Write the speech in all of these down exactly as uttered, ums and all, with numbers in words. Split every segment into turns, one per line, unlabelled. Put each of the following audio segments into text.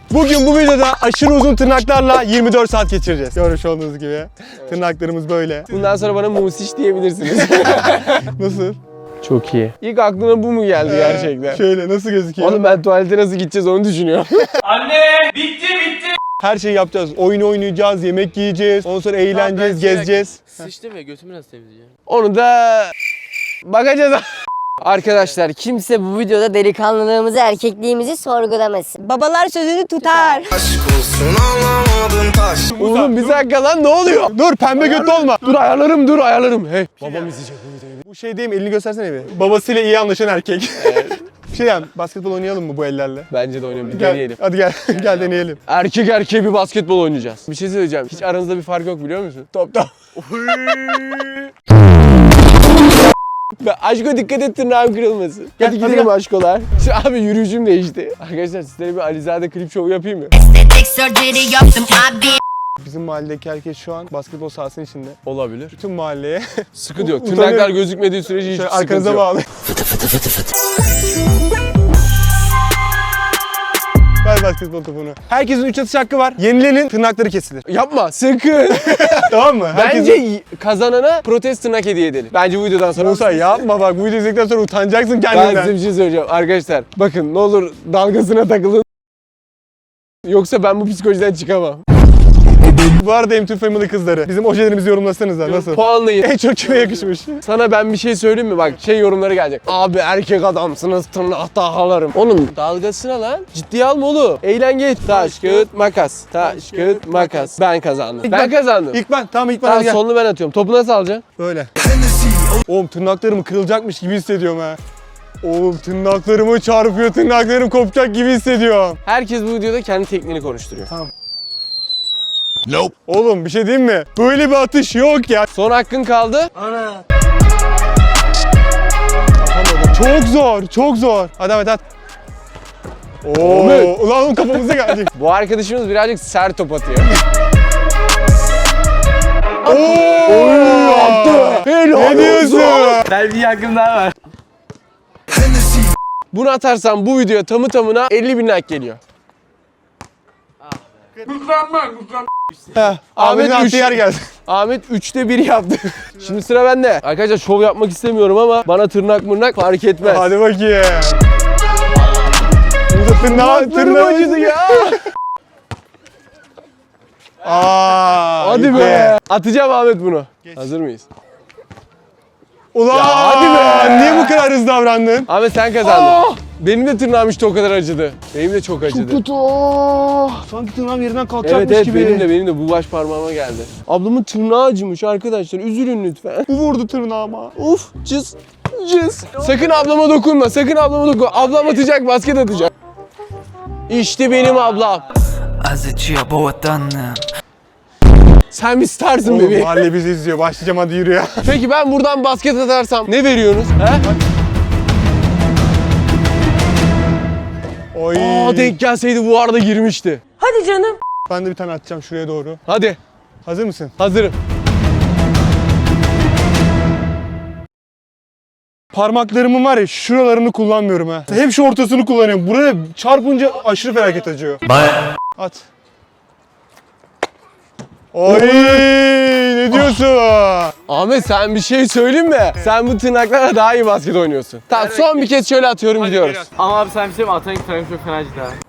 Bugün bu videoda aşırı uzun tırnaklarla yirmi dört saat geçireceğiz. Görmüş olduğunuz gibi. Evet. Tırnaklarımız böyle.
Bundan sonra bana musiş diyebilirsiniz.
Nasıl?
Çok iyi. İlk aklına bu mu geldi ee, gerçekten?
Şöyle nasıl gözüküyor?
Oğlum ben tuvalete nasıl gideceğiz onu düşünüyorum.
Anne! Bitti bitti!
Her şeyi yapacağız. Oyun oynayacağız, yemek yiyeceğiz, ondan sonra eğleneceğiz, tamam, gezeceğiz.
Sıçtım ya, götümü nasıl temizleyeceğim?
Onu da bakacağız. Arkadaşlar
kimse bu videoda delikanlılığımızı, erkekliğimizi sorgulamasın. Babalar sözünü tutar.
Aşk olsun anlamadın taş.
Oğlum bir dakika lan ne oluyor?
Dur pembe götlü olma.
Dur ayarlarım dur ayarlarım. Hey.
Babam izleyecek bu videoyu. Bu şey değil mi? Elini göstersene bir. Babasıyla iyi anlaşan erkek. Bir şey diyeyim, basketbol oynayalım mı bu ellerle?
Bence de oynayalım. Bir
Gel,
deneyelim.
hadi gel, gel deneyelim.
Erkek erkeğe bir basketbol oynayacağız. Bir şey söyleyeceğim. Hiç aranızda bir fark yok biliyor musun? Top top. Aşko dikkat et tırnağım kırılmasın.
Gel,
hadi
hadi
gidelim
gel.
Aşkolar. Şu abi yürüyüşüm değişti. Arkadaşlar sizlere bir Alizade klip şovu yapayım mı?
Bizim mahalledeki herkes şu an basketbol sahasının içinde.
Olabilir.
Bütün mahalleye
Sıkıntı yok.
Utanıyorum.
Tırnaklar gözükmediği sürece hiç
şöyle
sıkıntı
arkanıza
yok.
bağlı. Ver basketbol topunu. Herkesin üç atış hakkı var. Yenilenin tırnakları kesilir.
Yapma sakın.
Tamam mı? Herkesin...
Bence kazanana protest tırnak hediye edelim. Bence bu videodan sonra.
Musa yapma bak, bu videoyu izledikten sonra utanacaksın
Ben
kendinden.
size bir şey söyleyeceğim. Arkadaşlar bakın ne olur dalgasına takılın. Yoksa ben bu psikolojiden çıkamam.
Bu arada M iki Family kızları. Bizim ojelerimizi yorumlasanıza nasıl?
Puanlayın.
En çok kime yakışmış?
Sana ben bir şey söyleyeyim mi? Bak şey yorumları gelecek. Abi erkek adamsınız tırnak tahalarım. Oğlum dalgasına lan. Ciddiye alma oğlum. Eğlen geç. Taş, kağıt, makas. Taş, kağıt, makas. Ben kazandım.
İlk
ben,
ben-
kazandım.
İlk ben. Tamam ilk ben.
Tamam
hadi gel.
sonunu ben atıyorum. Topu nasıl alacaksın?
Böyle. Oğlum tırnaklarım kırılacakmış gibi hissediyorum ha. Oğlum tırnaklarımı çarpıyor, tırnaklarım kopacak gibi hissediyorum.
Herkes bu videoda kendi tekniğini konuşturuyor.
Nope. Oğlum bir şey diyeyim mi? Böyle bir atış yok ya.
Son hakkın kaldı.
Ana. Çok zor, çok zor. Hadi Ahmet at. Oo,
Ahmet.
ulan oğlum kafamıza gelecek.
Bu arkadaşımız birazcık sert top atıyor.
Oo,
attı. Helal
Ne diyorsun?
Ben bir hakkım daha var.
Bunu atarsam bu videoya tamı tamına elli bin like geliyor.
Heh, Ahmet'in
Ahmet üç.
attığı yer geldi.
Ahmet üçte bir yaptı. Şimdi sıra bende. Arkadaşlar şov yapmak istemiyorum ama bana tırnak mırnak fark etmez.
Hadi bakayım. Burada tırnağı,
Tırnaklarım
tırnağı
acıdı ya.
Aa,
Hadi
gitti.
be. Atacağım Ahmet bunu. Hazır mıyız?
Ulan
Ya hadi be.
Niye bu kadar hızlı davrandın?
Ahmet sen kazandın. Benim de tırnağım işte o kadar acıdı. Benim de çok acıdı.
Kötü. Sanki tırnağım yerinden kalkacakmış
Evet evet
gibi.
benim de benim de bu baş parmağıma geldi. Ablamın tırnağı acımış arkadaşlar. Üzülün lütfen.
Bu vurdu tırnağıma.
Uf cız cız. Sakın ablama dokunma. Sakın ablama dokunma. Ablam atacak basket atacak. İşte benim ablam.
Az acıyor bu vatanım.
Sen bir starsın
Oğlum
bebeğim.
mahalle bizi izliyor. Başlayacağım hadi yürü ya.
Peki ben buradan basket atarsam ne veriyorsunuz? He?
Oy.
Aa denk gelseydi bu arada girmişti.
Hadi canım.
Ben de bir tane atacağım şuraya doğru.
Hadi
Hazır mısın?
hazırım.
Parmaklarımın var ya şuralarını kullanmıyorum ha. Hep şu ortasını kullanıyorum. Buraya çarpınca aşırı felaket acıyor. At. Oy ne diyorsun?
Ahmet sen bir şey söyleyeyim mi? Sen bu tırnaklarla daha iyi basket oynuyorsun. Tamam son bir kez şöyle atıyorum gidiyoruz.
Ama abi sen bir şey mi? Atan tarafım çok fena acıdı ha.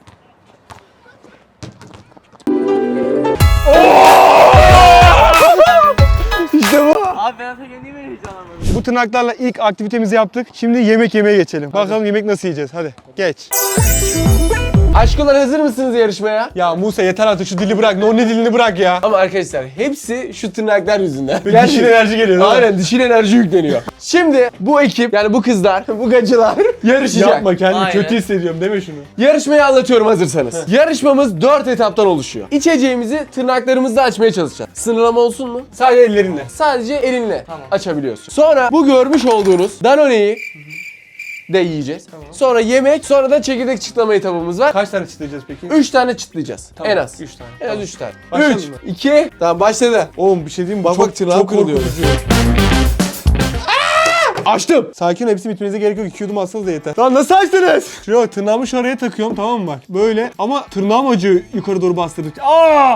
İşte bu.
Abi ben atarken niye böyle heyecanlanmadın?
Bu tırnaklarla ilk aktivitemizi yaptık. Şimdi yemek yemeye geçelim. Bakalım yemek nasıl yiyeceğiz. Hadi geç.
Aşkolar hazır mısınız yarışmaya?
Ya Musa yeter artık şu dili bırak. No ne dilini bırak ya.
Ama arkadaşlar hepsi şu tırnaklar yüzünden.
Bir dişil enerji geliyor değil mi?
Aynen dişil enerji yükleniyor. Şimdi bu ekip yani bu kızlar, bu gacılar yarışacak.
Yapma kendimi
Aynen.
kötü hissediyorum deme şunu.
Yarışmayı anlatıyorum hazırsanız. Yarışmamız dört etaptan oluşuyor. İçeceğimizi tırnaklarımızla açmaya çalışacağız. Sınırlama olsun mu?
Sadece ellerinle.
Sadece elinle açabiliyorsun. Sonra bu görmüş olduğunuz Danone'yi de yiyeceğiz. Sonra yemek, sonra da çekirdek çıtlama etabımız var.
Kaç tane çıtlayacağız peki?
üç tane çıtlayacağız. En az.
üç tane.
En az üç tane.
Başlayalım
üç,
mı?
iki, tamam başladı.
Oğlum bir şey diyeyim mi?
Bak
çok,
bak tırnağım
çok
kırılıyor.
korkutucu.
Açtım.
Sakin ol, hepsi bitmenize gerek yok. İki yudum alsanız da yeter. Lan nasıl açtınız? Şuraya bak, tırnağımı şu araya takıyorum, tamam mı bak. Böyle ama tırnağım acıyor yukarı doğru bastırdıkça. Aa!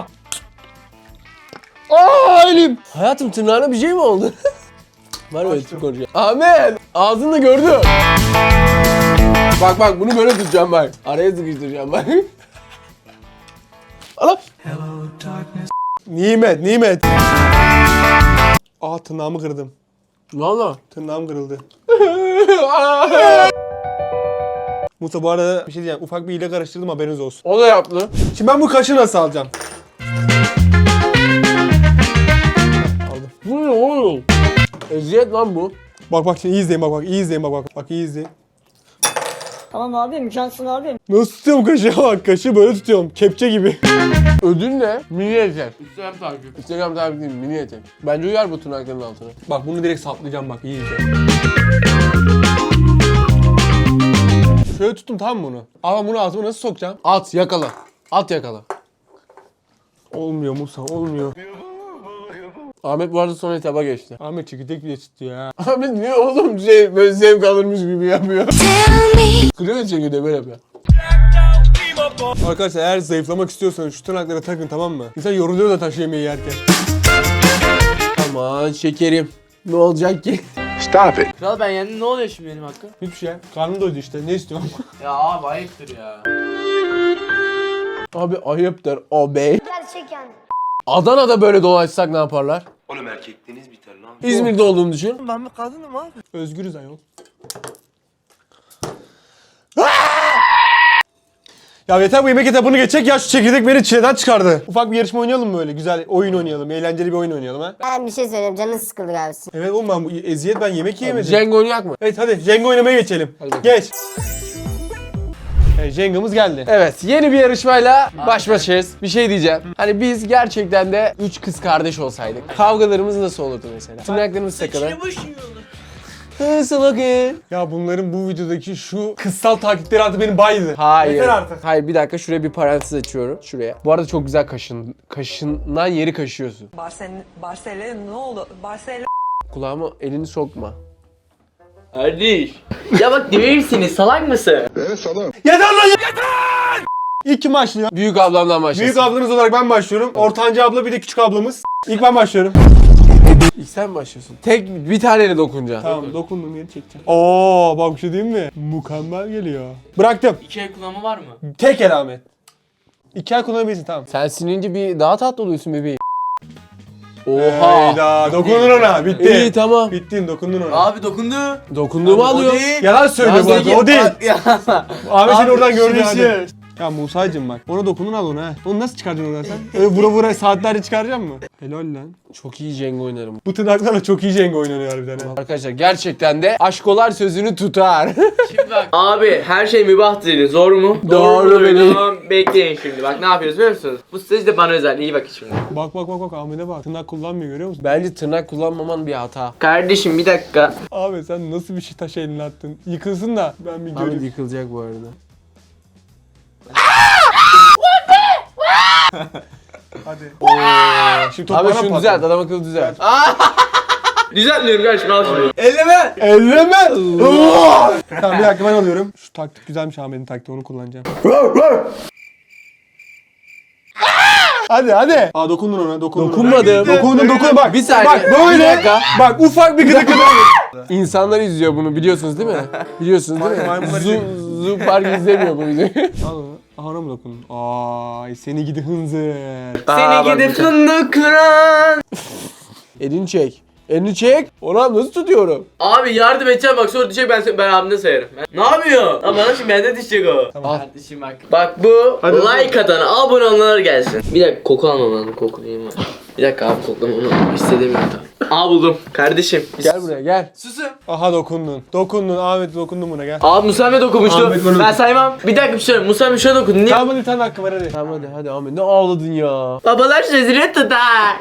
Aa elim!
Hayatım tırnağına bir şey mi oldu? Var öyle tip konuşuyor. Ahmet! Ağzını gördüm. Bak bak bunu böyle tutacağım bak. Araya sıkıştıracağım bak. Ala.
Nimet, nimet. Aa tırnağımı kırdım.
Valla.
Tırnağım kırıldı. Musa bu arada bir şey diyeceğim. Ufak bir hile karıştırdım, haberiniz olsun.
O da yaptı.
Şimdi ben bu kaşı nasıl alacağım? Aldım.
Bu ne oğlum? Eziyet lan bu.
Bak bak şimdi iyi izleyin, bak bak iyi izleyin, bak bak. Bak iyi izleyin.
Tamam abi, mükemmelsin abi.
Nasıl tutuyorum kaşı? Bak kaşı böyle tutuyorum. Kepçe gibi.
Ödül ne? Mini etek.
Instagram takip.
Instagram takip değil, mini etek. Bence uyar bu tırnakların altına.
Bak bunu direkt saplayacağım, bak iyi izle. Şöyle tuttum, tamam mı bunu? Ama bunu ağzıma nasıl sokacağım?
At yakala. At yakala.
Olmuyor Musa, olmuyor.
Ahmet bu arada son etaba geçti.
Ahmet çekirdek bile tutuyor ya.
Ahmet niye oğlum şey böyle zevk alırmış gibi yapıyor? Kırıyor ya çekirdeği böyle yapıyor.
Arkadaşlar eğer zayıflamak istiyorsanız şu tırnaklara takın, tamam mı? İnsan yoruluyor da taş yemeği yerken.
Aman şekerim. Ne olacak ki?
Kral ben yendim, ne oluyor şimdi benim hakkım?
Hiçbir şey. Karnım doydu işte. Ne istiyorsun?
Ya abi ayıptır ya.
Abi ayıptır o bey.
Gerçekten.
Adana'da böyle dolaşsak ne yaparlar?
Oğlum erkekliğiniz biter lan.
İzmir'de olduğunu düşün.
Özgürüz ayol. Ya yeter bu yemek etabını geçecek ya, şu çekirdek beni çileden çıkardı. Ufak bir yarışma oynayalım mı böyle? Güzel oyun oynayalım, eğlenceli bir oyun oynayalım ha.
Ben bir şey söyleyeyim, canın sıkıldı galiba.
Evet oğlum, ben bu eziyet, ben yemek yiyemedim.
Jenga oynayak mı?
Evet hadi Jenga oynamaya geçelim.
bakalım.
Geç. Evet, Jenga'mız geldi.
Evet yeni bir yarışmayla baş başayız. Bir şey diyeceğim. Hani biz gerçekten de üç kız kardeş olsaydık. Kavgalarımız nasıl olurdu mesela? Tırnaklarımız takılır. Nasıl bakın?
Ya bunların bu videodaki şu kıssal taktikleri artık beni baydı.
Hayır.
Yeter artık.
Hayır bir dakika şuraya bir parantez açıyorum. Şuraya. Bu arada çok güzel kaşın. Kaşınan yeri kaşıyorsun.
Barcelona, Barcelona ne oldu? Barcelona
Kulağıma elini sokma.
Kardeş. Ya bak değil misiniz? Salak mısın?
Yeter lan yeter! İlk kim başlıyor?
Büyük ablamdan başlasın.
Büyük ablanız olarak ben başlıyorum. Ortanca abla, bir de küçük ablamız. İlk ben başlıyorum.
İlk sen başlıyorsun. Tek bir taneyle dokunacaksın.
Tamam, dokundum, yeri çekeceğim. Oo, bak bir şey diyeyim mi? Mükemmel geliyor. Bıraktım.
İki el kullanma var mı?
Tek el Ahmet. İki el kullanabilirsin, tamam.
Sen sinince bir daha tatlı oluyorsun bebeğim. Oha.
Hayda, dokundun ona, bitti.
İyi tamam.
Bittin, dokundun ona.
Abi dokundu.
Dokunduğumu alıyor.
Yalan söylüyor bu
Ya
arada,
zeki-
o değil.
Ya.
Ahmet seni
Abi,
oradan gördü
şunu
hadi.
şey-
Ya Musa'cığım bak, ona dokundun al onu ha. Onu nasıl çıkaracaksın oradan sen? Öyle vura vura saatlerce çıkaracaksın mı? Helal lan.
Çok iyi Jenga oynarım.
Bu tırnaklarla çok iyi Jenga oynanıyor harbiden ha.
Arkadaşlar gerçekten de aşkolar sözünü tutar.
Şimdi bak. Abi her şey mübah dedi. Zor mu?
Doğru
mudur?
benim.
Tamam, bekleyin şimdi. Bak ne yapıyoruz biliyor musunuz? Bu stage de bana özel. İyi bakın şimdi.
Bak bak bak bak, Ahmet'e bak. Tırnak kullanmıyor, görüyor musun?
Bence tırnak kullanmaman bir hata.
Kardeşim bir dakika.
Abi sen nasıl bir şey taş eline attın? Yıkılsın da ben bir
Ahmet
göreyim.
yıkılacak bu arada.
Hadi. Şimdi top
Abi
bana
şunu
patladı.
düzelt, adam akıllı düzelt.
Düzeltmiyorum kardeşim al şunu.
Elleme! Elleme! Tamam bir dakika, ben alıyorum. Şu taktik güzelmiş, Ahmet'in taktiği, onu kullanacağım. Hadi hadi. Aa dokundun ona, dokundun.
Dokunmadım.
Dokundun, dokun bak.
Bir saniye,
Bak böyle.
bir dakika.
Bak ufak bir gıdık gıdık.
İnsanlar izliyor bunu biliyorsunuz değil mi? Biliyorsunuz değil mi?
Maymunlar
Zu, Zu Park izlemiyor bu videoyu.
Al onu. Aha ona mı dokundun? Ay seni gidi hınzır.
Seni gidip fındık kıran.
Elini çek. Elini çek. Ona nasıl tutuyorum?
Abi yardım edeceğim bak sonra düşecek ben ben abimde sayarım. Ben- Ne yapıyor? Lan bana şimdi bende düşecek o.
Al.
Kardeşim bak. Bak bu like atana abone olanlar gelsin. Bir dakika koku almam lazım, koku değil mi? Bir dakika abi koklamam lazım. Hissedemiyorum tamam. Aa buldum. Kardeşim.
Gel buraya gel.
Susun.
Aha dokundun. Dokundun Ahmet, dokundun buna gel.
Abi Musa Emre dokunmuştu.
Ahmet bana-
Ben saymam. Bir dakika bir şey söyleyeyim. Musa Emre şuna dokun. Niye?
Tamam hadi, bir tane hakkı var hadi.
Tamam hadi hadi Ahmet ne ağladın ya.
Babalar sözünü tutar.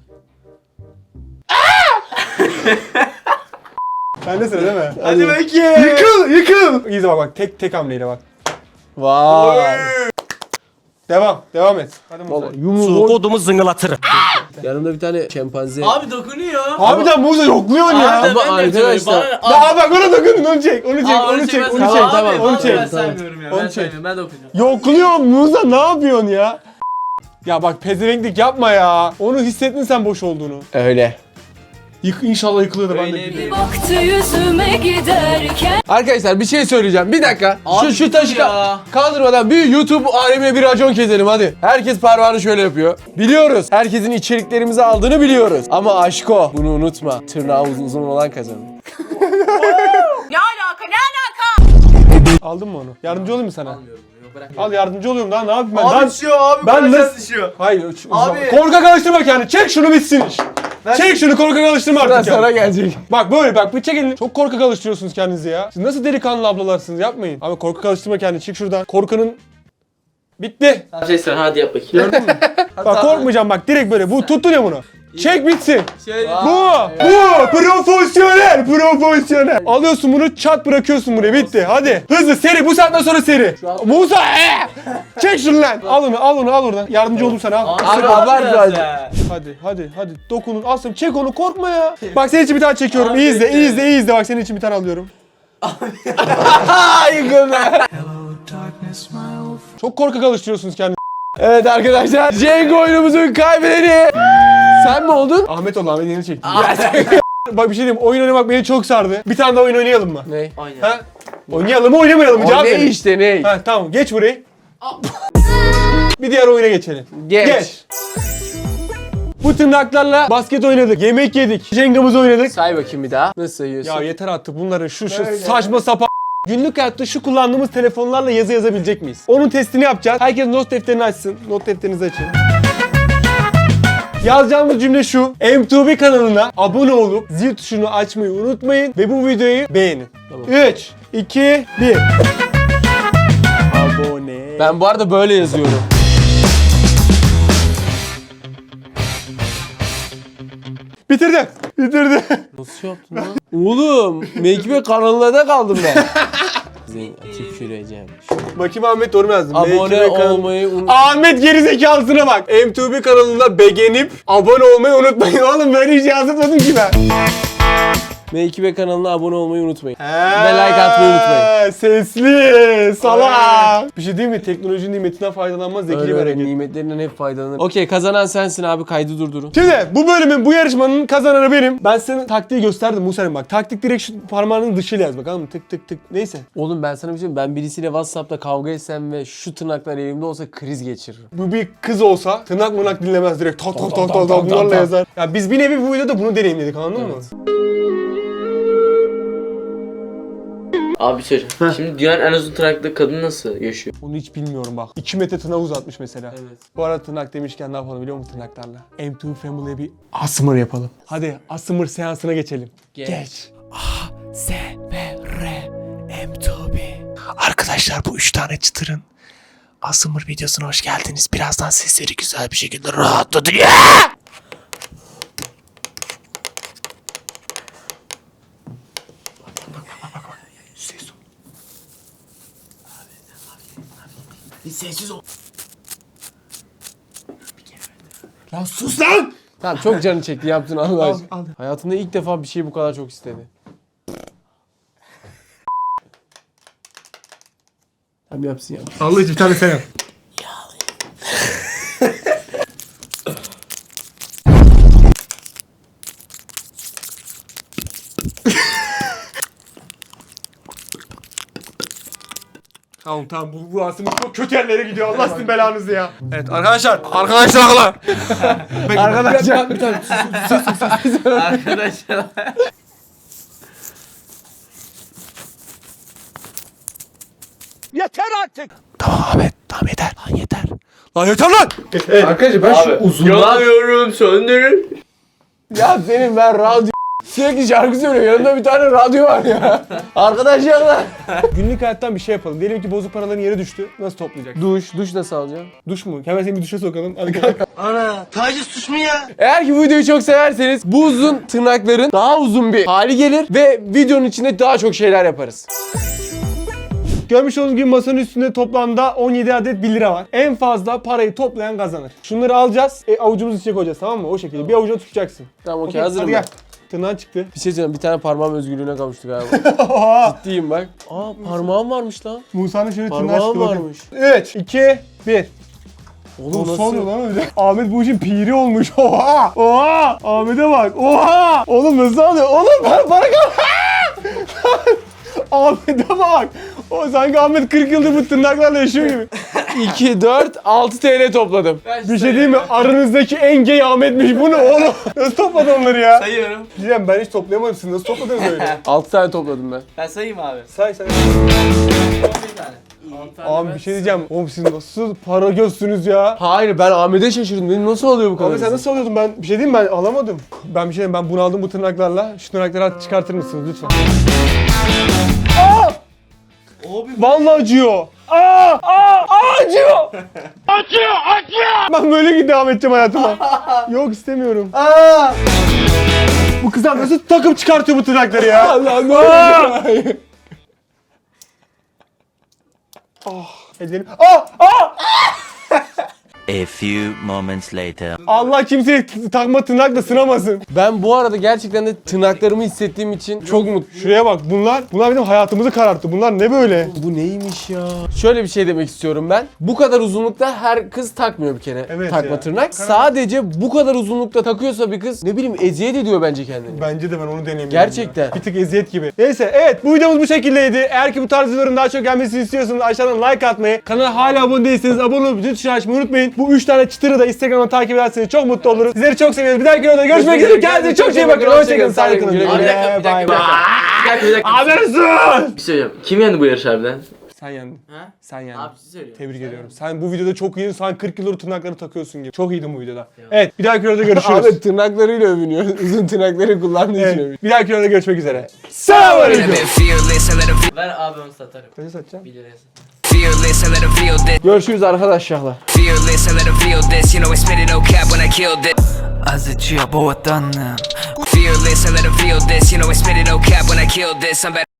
Bende sıra değil mi?
Hadi bakayım.
Yıkıl yıkıl. İyi de bak bak, tek tek hamleyle bak.
Vay.
Devam devam et. Hadi Musa.
Yumruğu
Kodumu zıngılatırım.
Yanımda bir tane şempanze.
Abi dokunuyor.
Harbiden Musa yokluyorsun ya.
Abi,
Ama
ben de
arkadaşlar-
yapıyorum. Bana-
Aa bak ona dokundun onu çek onu çek
Aa,
onu çek
ben
onu
saymıyorum.
çek
Tamam,
Abi,
tamam,
onu
vallahi
çek.
Ben saymıyorum ya.
Onu
Ben
çek.
saymıyorum. Ben dokunacağım.
Yokluyor Musa ne yapıyorsun ya? Ya bak pezevenklik yapma ya. Onu hissettin sen boş olduğunu.
Öyle.
Yık, inşallah yıkılıyordu ben de.
Öyle bir-
Baktı yüzüme giderken.
Arkadaşlar bir şey söyleyeceğim. Bir dakika.
Abi
şu şu
dur
taşı
ya.
ka- kaldırmadan bir YouTube alemine bir racon keselim hadi. Herkes parmağını şöyle yapıyor. Biliyoruz. Herkesin içeriklerimizi aldığını biliyoruz. Ama aşko bunu unutma. Tırnağı uzun, uzun olan kazanır.
Ne alaka ne alaka?
Aldın mı onu? Yardımcı olayım mı sana?
Almıyorum bunu, yok, bırak.
Al yardımcı oluyorum daha ne yapayım ben?
Abi
Ben-
düşüyor abi.
ben
Ben
nasıl-
düşüyor.
Hayır. üç-
Abi.
Korkak alıştırma kendini. Çek şunu bitsin iş. Çek şunu korkak alıştırma
Sıra
artık
sana
ya.
gelecek.
Bak böyle bak bir çek elini. Çok korkak alıştırıyorsunuz kendinizi ya. Siz nasıl delikanlı ablalarısınız yapmayın. Abi korkak alıştırma kendini çık şuradan. Korkanın bitti.
Tamam şey sen hadi yap bakayım.
Gördün mü? Bak korkmayacağım bak direkt böyle. Bu tuttun ya bunu. Çek bitsin.
Şöyle.
Bu, bu profesyonel, profesyonel. Alıyorsun bunu, çat bırakıyorsun buraya, bitti. Hadi, hızlı, seri, bu saatten sonra seri. Musa, ee! Çek şunu lan. Al onu, al onu, al oradan. Yardımcı oldum sana, al.
Abi abart biraz.
Hadi, hadi, hadi. Dokunun, asım, çek onu, korkma ya. Bak senin için bir tane çekiyorum, iyi izle, iyi izle, iyi izle. Bak senin için bir tane alıyorum.
Yıkıldı.
Çok korkak alıştırıyorsunuz kendinizi.
Evet arkadaşlar. Cenk oyunumuzun kaybedeni. Sen mi oldun?
Ahmet oldu, Ahmet yeni çekti. Bak bir şey diyeyim, oyun oynamak beni çok sardı. Bir tane daha oyun oynayalım mı?
Ne?
Aynen.
Ha? Oynayalım mı, oynamayalım mı?
O
Cevap
ne
verin.
işte ne?
Ha tamam, geç burayı. Bir diğer oyuna geçelim.
Geç.
Geç. Bu tırnaklarla basket oynadık, yemek yedik, jengamızı oynadık.
Say bakayım bir daha. Nasıl sayıyorsun?
Ya yeter artık bunların şu şu saçma sapan günlük hayatta şu kullandığımız telefonlarla yazı yazabilecek miyiz? Onun testini yapacağız. Herkes not defterini açsın. Not defterinizi açın. Yazacağımız cümle şu. M iki B kanalına abone olup zil tuşunu açmayı unutmayın ve bu videoyu beğenin. üç, iki, bir. Abone.
Ben bu arada böyle yazıyorum.
Bitirdim. Bitirdim.
Nasıl yaptın lan? Oğlum, Mekibe kanalına da kaldım ben. Seni tüküreceğim.
Bakayım Ahmet doğru mu yazdım?
Abone
M iki B kanal-
olmayı unut.
Ahmet gerizekalısına bak. M iki B kanalına beğenip abone olmayı unutmayın. Oğlum böyle hiç yazmadım ki ben.
Mekibe kanalına abone olmayı unutmayın. Ve like atmayı unutmayın.
Sesli, salak. Bir şey değil mi? Teknolojinin nimetinden faydalanmaz zeki
Öyle
bir
öyle
hareket.
nimetlerinden hep faydalanır. Okey, kazanan sensin abi, kaydı durdurun.
Şimdi bu bölümün, bu yarışmanın kazananı benim. Ben sana taktiği gösterdim Musa'nın bak. Taktik direkt şu parmağının dışıyla yaz bakalım. Tık tık tık. Neyse.
Oğlum ben sana bir şey diyeyim. Ben birisiyle WhatsApp'ta kavga etsem ve şu tırnaklar elimde olsa kriz geçiririm.
Bu bir kız olsa tırnak mırnak dinlemez direkt. Tak tak tak
tak,
tak
tak,
tak bunlarla
tak.
yazar. Ya biz bir nevi bu videoda bunu deneyimledik anladın mı?
Abi bir şey söyleyeceğim. Şimdi dünyanın en uzun tırnaklı kadın nasıl yaşıyor?
Onu hiç bilmiyorum bak. iki metre tırnak uzatmış mesela.
Evet.
Bu arada tırnak demişken ne yapalım biliyor musun tırnaklarla? M iki Family'e bir asmır yapalım. Hadi asmır seansına geçelim.
Geç.
Geç.
Arkadaşlar bu üç tane çıtırın Asımır videosuna hoş geldiniz. Birazdan sesleri güzel bir şekilde rahatladı. Sessiz ol.
Lan sus lan!
Tamam, çok canı çekti yaptın Allah
Al,
aşkına.
al.
Hayatında ilk defa bir şeyi bu kadar çok istedi. Tamam yapsın yapsın.
Allah için bir tane sen yap. Tamam tamam bu, bu aslında çok kötü yerlere gidiyor. Allah sizin belanızı ya. Evet arkadaşlar. Arkadaşlar.
Arkadaşlar bir tane
Arkadaşlar.
Tamam Ahmet, tamam yeter lan yeter.
Lan yeter lan.
Arkadaşlar ben şu uzunluğa...
Yanıyorum söndürün.
Ya senin ben radyo... Sürekli şarkı söylüyor. Yanında bir tane radyo var ya. Arkadaşlar lan.
Günlük hayattan bir şey yapalım. Diyelim ki bozuk paraların yere düştü. Nasıl toplayacak?
Duş, duş nasıl alacaksın?
Duş mu? Hemen seni bir duşa sokalım. Hadi kalk.
Eğer ki bu videoyu çok severseniz bu uzun tırnakların daha uzun bir hali gelir ve videonun içinde daha çok şeyler yaparız.
Görmüş olduğunuz gibi masanın üstünde toplamda on yedi adet bir lira var. En fazla parayı toplayan kazanır. Şunları alacağız, e, avucumuzun içine koyacağız, tamam mı? O şekilde bir avucuna tutacaksın.
Tamam okey,
Okey,
hazırım
hadi
ben.
gel. Tırnağın çıktı.
Bir şey söyleyeyim, bir tane parmağım özgürlüğüne kavuştu galiba. Ciddiyim bak. Aa parmağım varmış lan.
Musa'nın şöyle tırnağı
Parmağım
çıktı. bakın.
varmış.
üç, iki, bir.
Oğlum
Nasıl
nasıl?
oluyor lan öyle? Ahmet bu işin piri olmuş. Oha! Oha! Ahmet'e bak. Oha! Oğlum nasıl oluyor? Oğlum para para kal. Ahmet'e bak. O sanki Ahmet kırk yıldır bu tırnaklarla yaşıyor gibi.
iki, dört, altı T L topladım.
Bir şey diyeyim mi? Aranızdaki en gay Ahmet'miş. Bu ne oğlum? Nasıl topladın onları ya?
Sayıyorum.
Diyeceğim ben hiç toplayamadım. Siz nasıl topladınız öyle?
altı tane topladım ben.
Ben sayayım abi.
Say say.
Bir tane.
Abi bir şey diyeceğim. Oğlum siz nasıl para gözsünüz ya?
Hayır ben Ahmet'e şaşırdım. Benim nasıl oluyor bu kadar?
Abi sen
hızlı?
nasıl alıyordun? Ben bir şey diyeyim mi? Ben alamadım. Ben bir şey diyeyim. Ben bunu aldım bu tırnaklarla. Şu tırnakları artık çıkartır mısınız lütfen? Aa!
Abi.
Vallahi acıyor. Aa! Aa! Aa acıyor! Acıyor! Acıyor! Ben böyle devam edeceğim hayatıma. Yok istemiyorum. Aa! Bu kızlar nasıl takıp çıkartıyor bu tırnakları ya?
Allah ne oluyor?
Ah! Ellerim. Aa! Aa!
A few moments later.
Allah kimseyi t- takma tırnakla sınamasın.
Ben bu arada gerçekten de tırnaklarımı hissettiğim için çok mutluyum.
Şuraya bak bunlar, bunlar bizim hayatımızı kararttı. Bunlar ne böyle?
Bu neymiş ya? Şöyle bir şey demek istiyorum ben. Bu kadar uzunlukta her kız takmıyor bir kere
Evet
takma
ya.
tırnak. Sadece bu kadar uzunlukta takıyorsa bir kız ne bileyim eziyet ediyor bence kendini.
Bence de ben onu deneyeyim.
Gerçekten.
Bir tık eziyet gibi. Neyse evet bu videomuz bu şekildeydi. Eğer ki bu tarz videoların daha çok gelmesini istiyorsanız aşağıdan like atmayı, kanala hala abone değilseniz abone olup zil tuşunu açmayı unutmayın. Bu üç tane çıtırı da Instagram'dan takip ederseniz çok mutlu oluruz. Sizleri çok seviyoruz. Bir dahaki videoda görüşmek üzere. Kendinize çok iyi bakın. Hoşçakalın. Sağlıklı kalın.
Güle güle.
Abi bir dakika, bir dakika, bir dakika. Bir dakika, bir dakika.
Aferin.
Bir şey söyleyeceğim. Kim yendi bu yarış harbiden?
Sen yendin.
Ha?
Sen yendin.
Abi siz söylüyorum.
Tebrik ediyorum. Sen bu videoda çok iyiydin. Sen kırk yıldır tırnakları takıyorsun gibi. Çok iyiydin bu videoda. Evet bir dahaki videoda görüşürüz.
Ahmet tırnaklarıyla övünüyor. Uzun tırnakları kullandığı için övünüyor.
Evet, bir dahaki videoda görüşmek üzere. Selamünaleyküm.
Ver abi onu satarım.
Kaça satacağım?
bir liraya satarım.
Fearless, I let 'em feel this.
Görüşürüz arkadaşlar.
Fearless, I let 'em feel this. You know I spit it no cap when I killed it.
Azıcıya boğatan.
Fearless, I let 'em feel this. You know I spit it no cap when I killed this. I'm better.